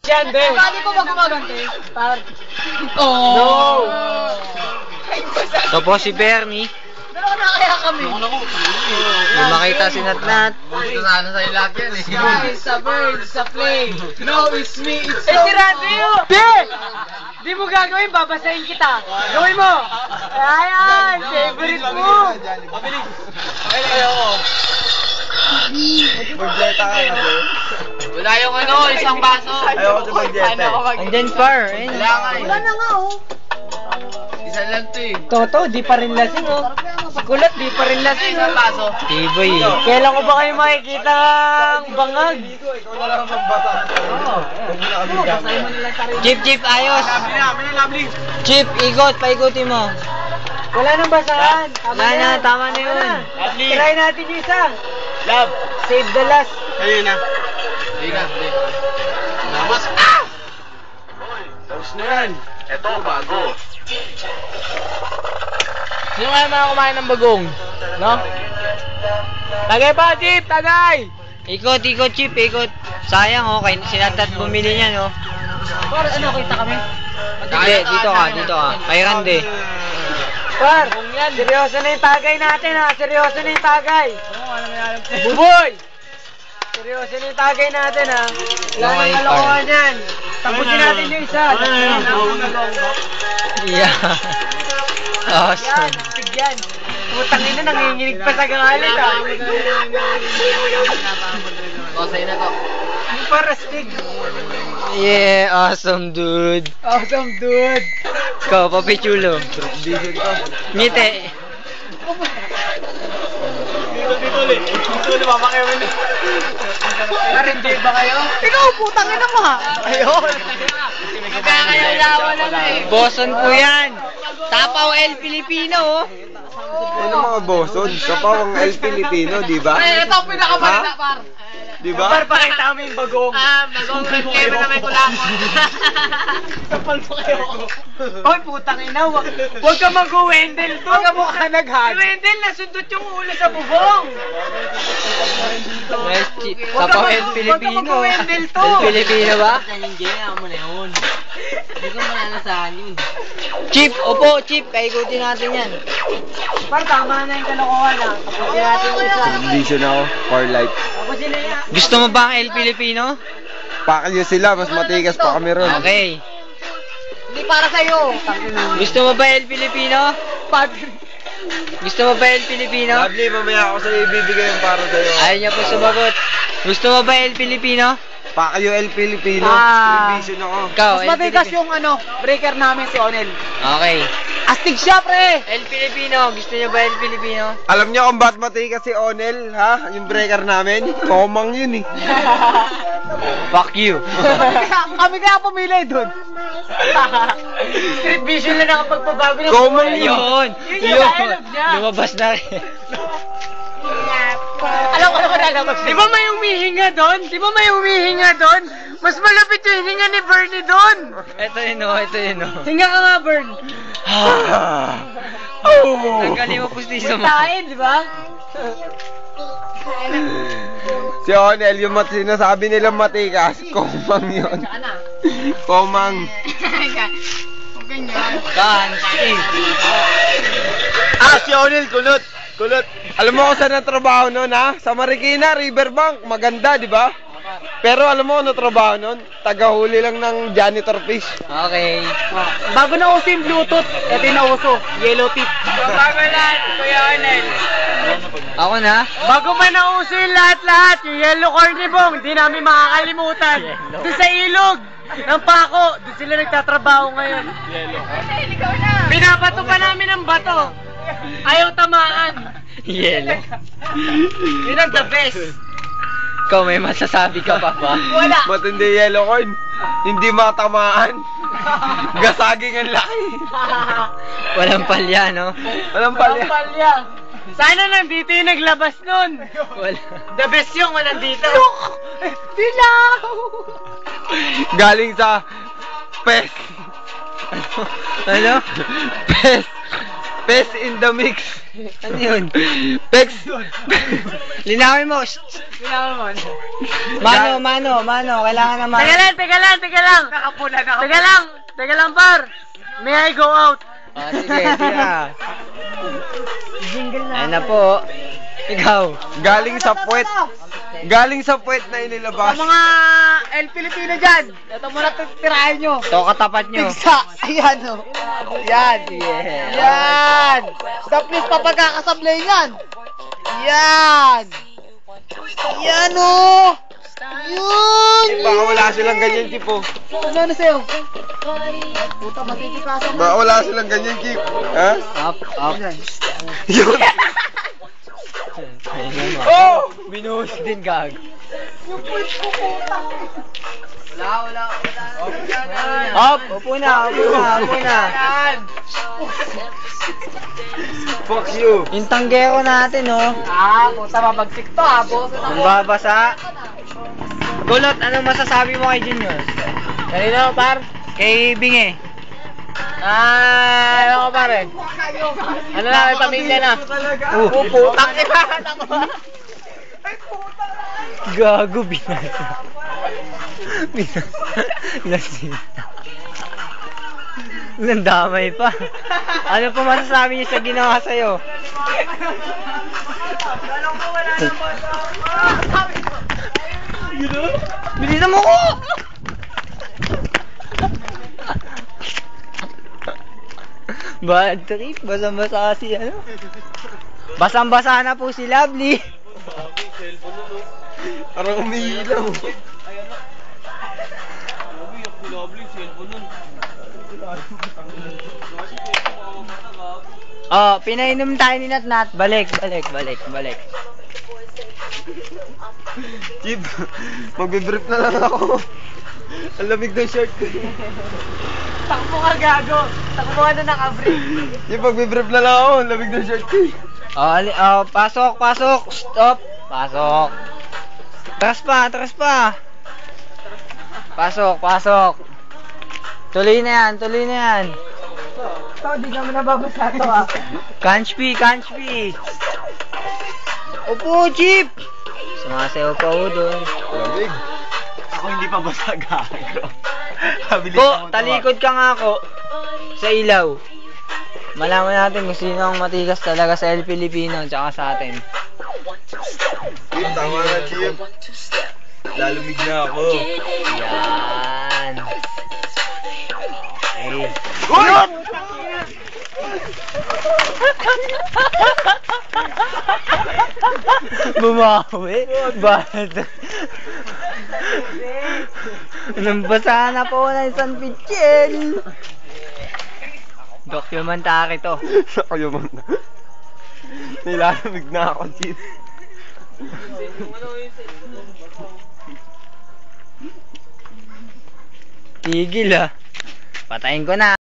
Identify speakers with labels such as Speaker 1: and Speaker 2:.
Speaker 1: Yan, be.
Speaker 2: Pwede ko ba gumagante?
Speaker 1: Oh. No.
Speaker 3: Ito po si Bernie.
Speaker 2: Dalawa na kaya kami.
Speaker 3: Hindi makita si Natnat.
Speaker 1: Sana sa ilag yan eh.
Speaker 2: Sa bird, sa plane.
Speaker 1: No, it's me, it's
Speaker 2: Eh, si Randy yun!
Speaker 1: Di! Di mo gagawin, babasahin kita. Gawin mo. Ayan, favorite mo.
Speaker 4: Mabilis. Ayoko. Magleta ka kasi.
Speaker 1: Wala yung ano, isang baso.
Speaker 4: Ayoko sa magleta.
Speaker 3: Andyan par. Ayun.
Speaker 1: Wala nga eh.
Speaker 2: Wala na nga, oh.
Speaker 1: Isa lang to eh.
Speaker 3: Toto, di pa rin lasing oh. Si Kulot, di pa rin lasing
Speaker 1: Isang baso.
Speaker 3: Tiboy eh.
Speaker 1: Kailan ko ba kayo makikita ang bangag?
Speaker 4: Ikaw na lang ang magbasa. Oo.
Speaker 2: Basahin mo nila sarili.
Speaker 3: Chip, ayos.
Speaker 4: Lovely.
Speaker 3: Chip, ikot, paikutin mo.
Speaker 1: Wala nang basahan.
Speaker 3: Wala na, tama na yun.
Speaker 4: Lovely.
Speaker 1: Try natin yung isa.
Speaker 4: Love.
Speaker 1: Save the last.
Speaker 4: Ayun na.
Speaker 1: Sige na.
Speaker 4: Namas. Ah! Tapos na yan. Ito, bago.
Speaker 1: Sino kaya mga kumain ng bagong? No? Tagay pa, Chip! Tagay!
Speaker 3: Ikot, Chip, ikot. Sayang oh, kay sinatat bumili niya no.
Speaker 2: Par, ano, kita kami?
Speaker 3: Hindi, dito ka. Kay Rande.
Speaker 1: Par, seryoso na yung tagay natin ha. Seryoso na yung tagay. Buboy! Seryoso na yung tagay natin ha. Wala
Speaker 3: Okay,
Speaker 1: nang kalokohan yan. Tapusin natin yung isa.
Speaker 3: Yeah.
Speaker 1: Yan,
Speaker 3: Awesome.
Speaker 1: tigyan. Putang ina, nanginginig pa sa galit ha. O, sa'yo na to. Yung para stig.
Speaker 3: Yeah, awesome dude.
Speaker 1: Awesome, dude.
Speaker 3: Ikaw, Papi Chulo. Ngiti.
Speaker 4: Dito ulit. Dito ulit, mamakayaw na.
Speaker 1: Narindi ba kayo?
Speaker 2: Ikaw, putang ina mo, ha?
Speaker 1: Ayun. Kakayaw-yawa lang eh.
Speaker 3: Boson po yan. Tapaw El Filipino oh.
Speaker 4: Ano mga boson? Kapaw ang El Filipino, di ba?
Speaker 2: Ay, ito ang pinakabalita,
Speaker 4: Ha?
Speaker 2: par.
Speaker 4: Di ba?
Speaker 1: Par, pakita mo yung bagong.
Speaker 2: Bagong red level na may kulamon.
Speaker 1: Kapal mo kayo. Hoy, putang ina, wag ka mag-Wendell to. Wag ka mukha nag-hug. Si Wendell, nasundot yung ulo sa bubong.
Speaker 3: Nice chip.
Speaker 1: Wag ka
Speaker 3: Tapaw
Speaker 1: mag-
Speaker 3: El
Speaker 1: wag ka
Speaker 3: Filipino.
Speaker 1: mag-Wendell to.
Speaker 3: El Filipino ba? Chip, opo, Chip. Paikutin natin yan.
Speaker 1: Par, tama na yung kalokohan ha. Tapusin natin yung isa.
Speaker 4: Condition ako for life.
Speaker 1: Tapusin na yan.
Speaker 3: Gusto mo ba ang El Filipino?
Speaker 4: Pakilyo sila, mas matigas pa kami ron.
Speaker 3: Okay.
Speaker 2: Hindi para sa'yo.
Speaker 3: Gusto mo ba El Filipino? Gusto mo ba El Filipino?
Speaker 4: Lovely, mamaya ako sa'yo ibibigay yung para sa'yo.
Speaker 3: Ayaw niya po sumagot. Gusto mo ba El Filipino?
Speaker 4: Pakilyo El Filipino.
Speaker 1: Ah.
Speaker 4: Revision ako.
Speaker 3: Ikaw,
Speaker 2: Mas
Speaker 3: El
Speaker 2: matigas
Speaker 3: Filipino.
Speaker 2: yung ano, breaker namin si Onel.
Speaker 3: Okay.
Speaker 2: Astig siya, pre!
Speaker 3: El Filipino. Gusto niyo ba El Filipino?
Speaker 4: Alam niyo kung ba't matigas si Onel, ha? Yung breaker namin? Komang yun eh.
Speaker 3: Fuck you.
Speaker 2: Kami kaya pumili dun.
Speaker 1: Street vision lang nakapagpabago ng
Speaker 4: Komang
Speaker 1: buhay.
Speaker 3: Yun.
Speaker 1: Yun yung dialogue niya.
Speaker 3: Lumabas na rin.
Speaker 2: Alam ko naman lalabas.
Speaker 1: Di ba may umihinga doon? Di ba may umihinga doon? Mas malapit yung hininga ni Bernie doon.
Speaker 3: Ito yun oh, ito yun oh.
Speaker 1: Hinga ka nga, Bern.
Speaker 3: Tanggalin mo pustiso mo.
Speaker 1: Tain, di ba?
Speaker 4: Si Onel, yung sinasabi nilang matigas, komang yun. Komang.
Speaker 3: Dancing.
Speaker 4: Ah, si Onel, kulot. Kulot. Alam mo kung saan ang trabaho nun, ha? Sa Marikina, Riverbank. Maganda, di ba? Pero alam mo ano trabaho nun? Tagahuli lang ng janitor fish.
Speaker 3: Okay.
Speaker 2: Bago na uso yung Bluetooth, ito yung nauso, yellow tip.
Speaker 1: Bago lahat, Kuya Arnel.
Speaker 3: Ako na?
Speaker 1: Bago pa nauso yung lahat-lahat, yung yellow cornibong, hindi namin makakalimutan. Doon sa ilog ng Pako, doon sila nagtatrabaho ngayon. Pinabato pa namin ang bato. Ayaw tamaan.
Speaker 3: Yellow.
Speaker 1: Yun ang the best.
Speaker 3: Ikaw may masasabi ka pa ba?
Speaker 1: Wala.
Speaker 4: Matindi yellow corn. Hindi matamaan. Gasaging ang laki.
Speaker 3: Walang palya, no?
Speaker 4: Walang palya.
Speaker 1: Palya. Sana nandito yung naglabas nun.
Speaker 3: Wala.
Speaker 1: The best yung walang dito.
Speaker 2: Dilaw!
Speaker 4: Galing sa pes.
Speaker 3: Ano?
Speaker 4: Pes. Pes in the mix.
Speaker 3: Ano yun?
Speaker 4: Pex.
Speaker 3: Linawin mo. Mano. Kailangan naman.
Speaker 1: Teka lang. Teka lang, par. May I go out?
Speaker 3: Sige, tira. Ayun na po. Ikaw.
Speaker 4: Galing sa puwet. Galing sa puwet na inilabas.
Speaker 2: Sa mga El Filipino dyan, ito muna tirahin nyo.
Speaker 3: Ito katapat nyo.
Speaker 2: Pigsa! Ayan o. Yan.
Speaker 3: Yeah.
Speaker 2: Yan. The please pa pagkakasablay yan. Yan. Yan o. Yun.
Speaker 4: Baka wala silang ganyan, Kip, oh.
Speaker 2: Ano na sa'yo? Puta, matitikasan.
Speaker 4: Baka wala silang ganyan, Kip. Ha?
Speaker 3: Up.
Speaker 4: Yun.
Speaker 3: Oh! Binuhos din, gag.
Speaker 2: Wala.
Speaker 3: Up! Upo na.
Speaker 4: Fuck you.
Speaker 3: Yung tanggero natin, oh.
Speaker 2: Puta, mabagsik to boss.
Speaker 3: Ang babasa. Kulot, anong masasabi mo kay Junior?
Speaker 1: Kanina, par.
Speaker 3: Kay Binge.
Speaker 1: Ano ko, pare? Ano na, may pamilya na.
Speaker 2: Putang ina.
Speaker 3: Gago, binasa. Nasita. Nandamay pa. Ano pa masasabi niyo sa ginawa sa'yo? Bilisan mo ko! Bad trip, basang-basa si ano? Basang-basa na po si Lovely.
Speaker 4: Parang umiilaw.
Speaker 3: Oh, pinainom tayo ni Natnat. Balik.
Speaker 4: Kip, magbe-brief na lang ako. Ang lamig ng shirt ko.
Speaker 1: Takbo ka, gago. Takbo ka na naka-brief.
Speaker 4: Kip, magbe-brief na lang ako. Ang lamig ng shirt ko.
Speaker 3: Pasok. Stop. Pasok. Atras pa. Pasok. Tuloy na yan.
Speaker 2: Ito, di naman nababasa to
Speaker 3: Kanchpi. Upo, Chip. Sumasayaw pa ho doon.
Speaker 4: Lamig.
Speaker 5: Ako hindi pa basa, gago.
Speaker 3: Talikod ka nga ako sa ilaw. Malaman natin kung sino ang matigas talaga sa El Filipino tsaka sa atin.
Speaker 4: Chip, tama na, Chip. Lalumig na ako.
Speaker 3: Yan. Hey. Bumawi. Bad. Nambasa na po na yung San Pichel. Dokumentary to.
Speaker 4: Kayo man. Nilalamig na ako, Chip.
Speaker 3: Tigil ah. Patayin ko na.